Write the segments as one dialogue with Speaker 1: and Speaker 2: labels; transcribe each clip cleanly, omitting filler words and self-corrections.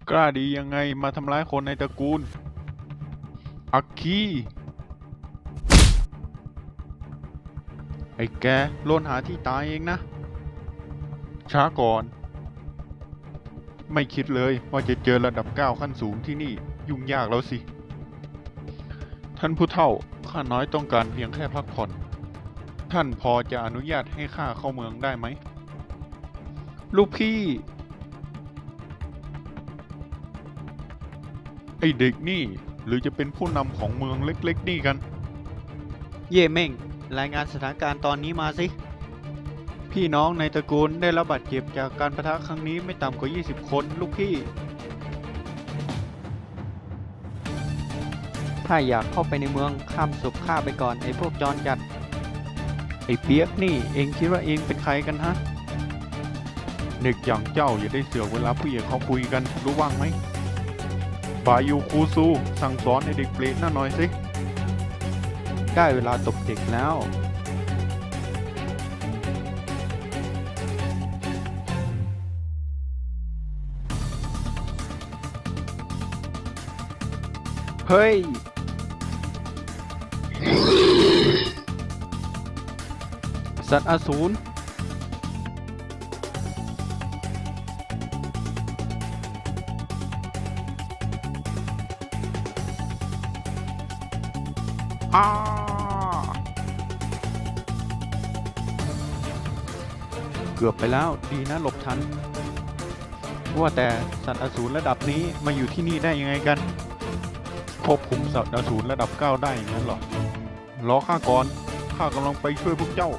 Speaker 1: กล้าดียังไงมาทำร้ายคนในตระกูลอักคีไอ้แกโลนหาที่ตายเองนะ ช้าก่อน ไม่คิดเลยว่าจะเจอระดับ9ขั้นสูงที่นี่ยุ่งยากแล้วสิ ท่านผู้เฒ่าข้าน้อยต้องการเพียงแค่พักผ่อน ท่านพอจะอนุญาตให้ข้าเข้าเมืองได้ไหม ลูกพี่ ไอเด็กนี่หรือจะเป็นผู้นำของเมืองเล็กๆนี่กัน
Speaker 2: เย่เม่งรายงานสถานการณ์ตอนนี้มาสิ พี่น้องในตระกูลได้รับบาดเจ็บจากการปะทะครั้งนี้ไม่ต่ำกว่า20 คนลูกพี่ ถ้าอยากเข้าไปในเมืองข้ามศพข้าไปก่อนไอ้พวกจรจัด ไอ้เปียกนี่เองคิดว่าเองเป็นใครกันฮะ
Speaker 1: เด็กอย่างเจ้าอย่าได้เสือกเวลาผู้ใหญ่เขาคุยกันรู้ว่างไหมบายูคูซูสั่งสอนไอเด็กเปรตน่าหน่อยสิ
Speaker 2: ได้เวลาตบเด็กแล้ว เฮ้ย สัตว์อสูร
Speaker 1: อ้า
Speaker 2: เกือบไปแล้วดีนะหลบทัน ว่าแต่สัตว์อสูรระดับนี้มาอยู่ที่นี่ได้ยังไงกัน
Speaker 1: ควบคุมสัตว์อสูรระดับ9ได้อย่างนั้นเหรอ รอข้าก่อน ข้ากำลังไปช่วยพวกเจ้า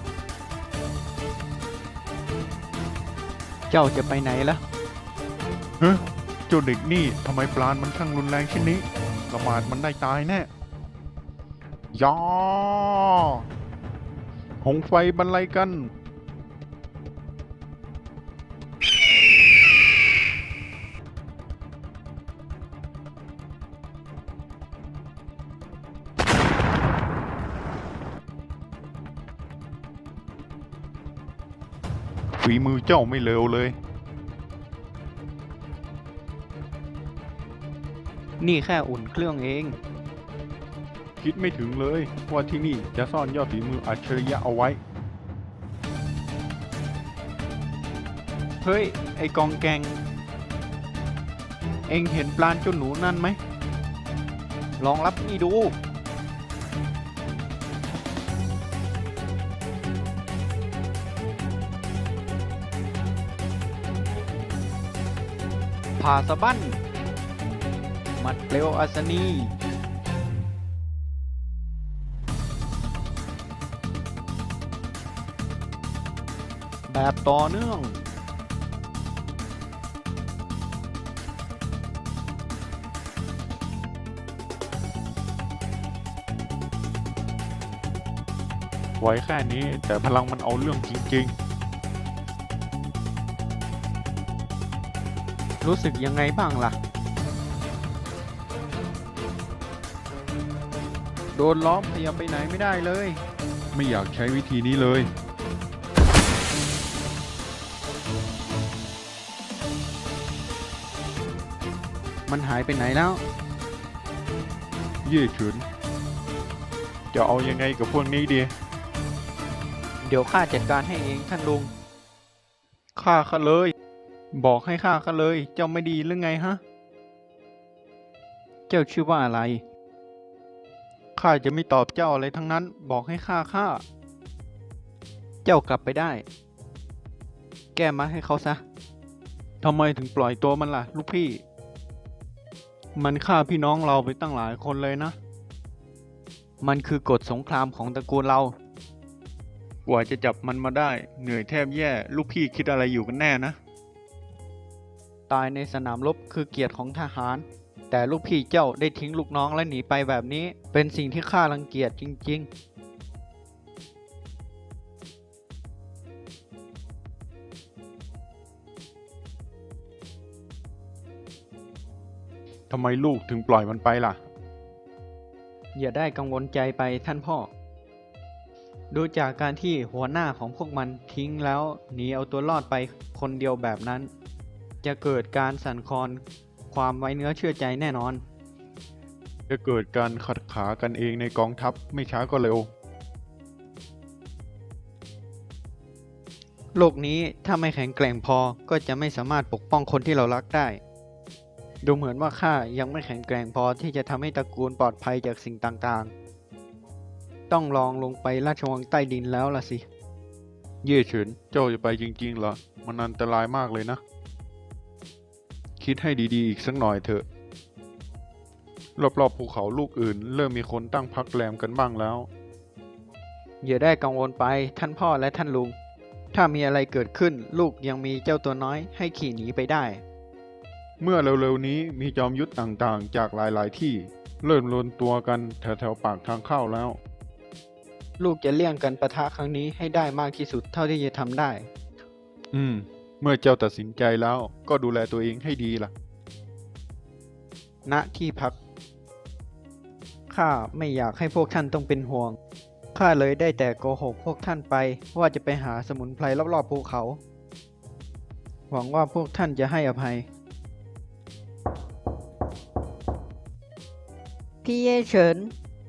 Speaker 2: เจ้าจะไปไหนล่ะ
Speaker 1: เฮ้ยเจ้าเด็กนี่ทำไมปราณมันช่างรุนแรงเช่นนี้ประมาทมันได้ตายแน่ยาหงไฟบรรลัยกัน ฝีมือเจ้าไม่เลวเลย
Speaker 2: นี่แค่อุ่นเครื่องเอง
Speaker 1: คิดไม่ถึงเลยว่าที่นี่จะซ่อนยอดฝีมืออัจฉริยะเอาไว้
Speaker 2: เฮ้ย ไอกองแกง เอ็งเห็นปลาเจ้าหนูนั่นไหม ลองรับนี่ดู ผ่าสะบั้นหมัดเปลวอัศนี แบบต่อเนื่อง
Speaker 1: ไว้แค่นี้แต่พลังมันเอาเรื่องจริง
Speaker 2: รู้สึกยังไงบ้างล่ะ โดนล้อมขยับไปไหนไม่ได้เลย
Speaker 1: ๆ ไม่อยากใช้วิธีนี้เลย
Speaker 2: มันหายไปไหนแล้ว
Speaker 1: เย่เฉินจะเอายังไงกับพวกนี้ดี
Speaker 2: เดี๋ยวข้าจัดการให้เองท่านลุง
Speaker 1: ฆ่าข้าเลย
Speaker 2: บอกให้ข้าก็เลย เจ้าไม่ดีหรือไงฮะ เจ้าชื่อว่าอะไร
Speaker 1: ข้าจะไม่ตอบเจ้าอะไรทั้งนั้น บอกให้ฆ่า
Speaker 2: เจ้ากลับไปได้ แก้มาให้เขาซะ
Speaker 1: ทำไมถึงปล่อยตัวมันล่ะ ลูกพี่ มันฆ่าพี่น้องเราไปตั้งหลายคนเลยนะ
Speaker 2: มันคือกฎสงครามของตระกูลเรา
Speaker 1: กว่าจะจับมันมาได้ เหนื่อยแทบแย่ ลูกพี่คิดอะไรอยู่กันแน่นะ
Speaker 2: ตายในสนามรบคือเกียรติของทหาร แต่ลูกพี่เจ้าได้ทิ้งลูกน้องและหนีไปแบบนี้ เป็นสิ่งที่ข้ารังเกียจจริง
Speaker 1: ทำไมลูกถึงปล่อยมันไปล่ะ
Speaker 2: ๆ อย่าได้กังวลใจไปท่านพ่อ ดูจากการที่หัวหน้าของพวกมันทิ้งแล้วหนีเอาตัวรอดไปคนเดียวแบบนั้น จจะเกิดการสั่นคลอนความไว้เนื้อเชื่อใจแน่นอน
Speaker 1: จะเกิดการขัดขากันเองในกองทัพไม่ช้าก็เร็ว
Speaker 2: โลกนี้ถ้าไม่แข็งแกร่งพอก็จะไม่สามารถปกป้องคนที่เรารักได้ ดูเหมือนว่าข้ายังไม่แข็งแกร่งพอที่จะทำให้ตระกูลปลอดภัยจากสิ่งต่างๆ ต้องลองลงไปราชวังใต้ดินแล้วล่ะสิ
Speaker 1: เย่เฉิน เจ้าจะไปจริงๆเหรอ มันอันตรายมากเลยนะ คิดให้ดีๆอีกสักหน่อยเถอะ รอบๆภูเขาลูกอื่น เริ่มมีคนตั้งพักแรมกันบ้างแล้ว
Speaker 2: อย่าได้กังวลไปท่านพ่อและท่านลุง ถ้ามีอะไรเกิดขึ้นลูกยังมีเจ้าตัวน้อยให้ขี่หนีไปได้
Speaker 1: เมื่อเร็วๆนี้มีจอมยุทธต่างๆ จากหลายๆที่ เริ่มรวมตัวกันแถวๆปากทางเข้าแล้ว
Speaker 2: ลูกจะเลี่ยงกันปะทะครั้งนี้ให้ได้มากที่สุดเท่าที่จะทำได้
Speaker 1: เมื่อเจ้าตัดสินใจแล้วก็ดูแลตัวเองให้ดีล่ะ
Speaker 2: ณที่พัก ข้าไม่อยากให้พวกท่านต้องเป็นห่วง ข้าเลยได้แต่โกหกพวกท่านไปว่าจะไปหาสมุนไพรรอบๆภูเขา หวังว่าพวกท่านจะให้อภัย
Speaker 3: พี่เย่เฉิน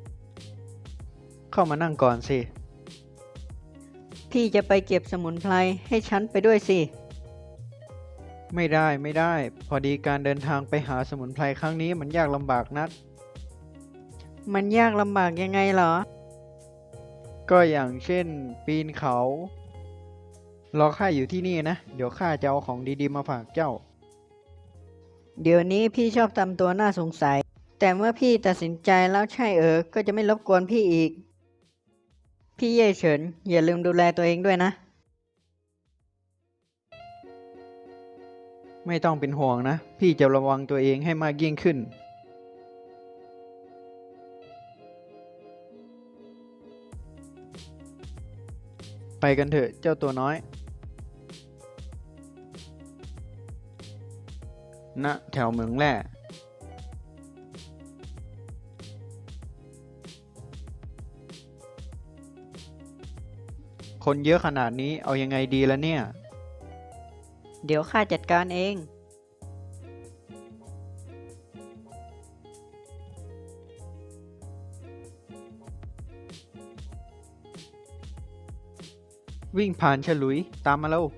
Speaker 2: เข้ามานั่งก่อนสิ
Speaker 3: พี่จะไปเก็บสมุนไพรให้ฉันไปด้วยสิ
Speaker 2: ไม่ได้ พอดีการเดินทางไปหาสมุนไพรครั้งนี้มันยากลำบากนัก
Speaker 3: มันยากลำบากยังไงเหรอ
Speaker 2: ก็อย่างเช่น ปีนเขา รอข้าอยู่ที่นี่นะ เดี๋ยวข้าจะเอาของดีๆมาฝากเจ้า
Speaker 3: เดี๋ยวนี้พี่ชอบทำตัวน่าสงสัย แต่เมื่อพี่ตัดสินใจแล้วใช่ก็จะไม่รบกวนพี่อีก พี่เย่เฉินอย่าลืมดูแลตัวเองด้วยนะ
Speaker 2: ไม่ต้องเป็นห่วงนะ พี่จะระวังตัวเองให้มากยิ่งขึ้น ไปกันเถอะเจ้าตัวน้อย ณ แถวเหมืองแร่ คนเยอะขนาดนี้เอายังไงดีละเนี่ย
Speaker 3: เดี๋ยวข้าจัดการเอง
Speaker 2: วิ่งผ่านฉลุยตามมาแล้ว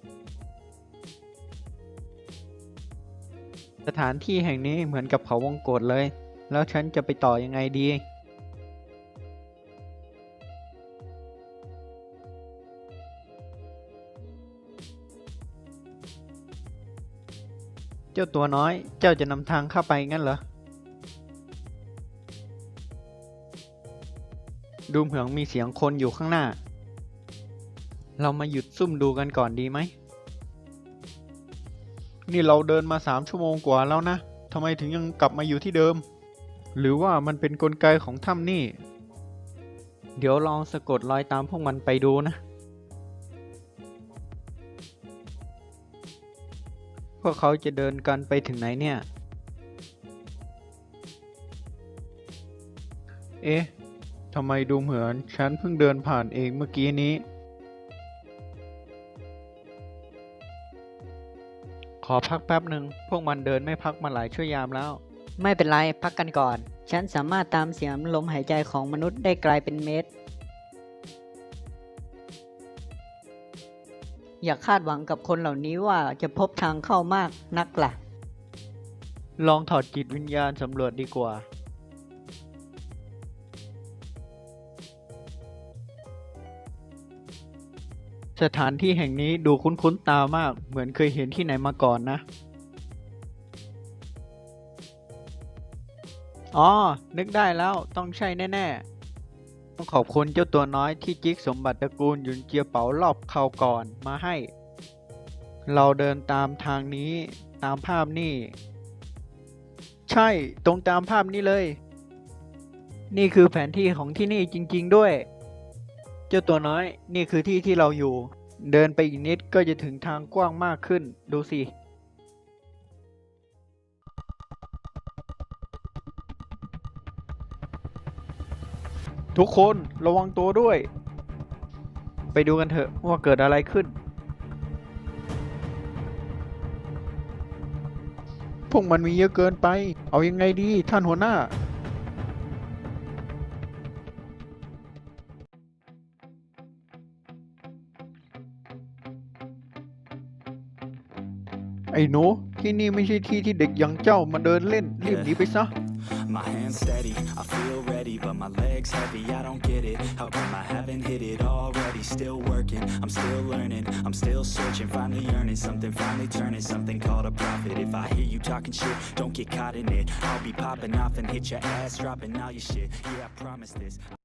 Speaker 2: สถานที่แห่งนี้เหมือนกับเขาวงกตเลย แล้วฉันจะไปต่อยังไงดี เจ้าตัวน้อย เจ้าจะนำทางเข้าไปงั้นเหรอ ดูเหมือนมีเสียงคนอยู่ข้างหน้า เรามาหยุดซุ่มดูกันก่อนดีไหม นี่เราเดินมา3 ชั่วโมงกว่าแล้วนะ ทำไมถึงยังกลับมาอยู่ที่เดิม หรือว่ามันเป็นกลไกของถ้ำนี่ เดี๋ยวลองสะกดรอยตามพวกมันไปดูนะ พวกเขาจะเดินกันไปถึงไหนเนี่ย เอ๊ะ ทำไมดูเหมือนฉันเพิ่งเดินผ่านเองเมื่อกี้นี้ ขอพักแป๊บหนึ่ง พวกมันเดินไม่พักมาหลายชั่วยามแล้ว
Speaker 3: ไม่เป็นไรพักกันก่อน ฉันสามารถตามเสียงลมหายใจของมนุษย์ได้ไกลเป็นเมตร อย่าคาดหวังกับคนเหล่านี้ว่าจะพบทางเข้ามากนักล่ะ
Speaker 2: ลองถอดจิตวิญญาณสำรวจดีกว่า สถานที่แห่งนี้ดูคุ้นๆตามาก เหมือนเคยเห็นที่ไหนมาก่อนนะ อ๋อ นึกได้แล้ว ต้องใช่แน่ๆ ต้องขอบคุณเจ้าตัวน้อยที่จิกสมบัติตระกูลหยุนเจียเป๋ารอบเขาก่อนมาให้ เราเดินตามทางนี้ ตามภาพนี่ ใช่ ตรงตามภาพนี้เลย นี่คือแผนที่ของที่นี่จริงๆด้วย เจ้าตัวน้อย นี่คือที่ที่เราอยู่ เดินไปอีกนิดก็จะถึงทางกว้างมากขึ้น ดูสิ ทุกคนระวังตัวด้วย ไปดูกันเถอะว่าเกิดอะไรขึ้น
Speaker 1: พวกมันมีเยอะเกินไป เอายังไงดีท่านหัวหน้า ไอ้หนูที่นี่ไม่ใช่ที่ที่เด็กอย่างเจ้ามาเดินเล่น รีบหนีไปซะ
Speaker 4: My hands steady, I feel ready, but my legs heavy, I don't get it. How come I haven't hit it already? Still working, I'm still learning, I'm still searching, finally earning something, finally turning something called a profit. If I hear you talking shit, don't get caught in it. I'll be popping off and hit your ass, dropping all your shit. Yeah, I promise this.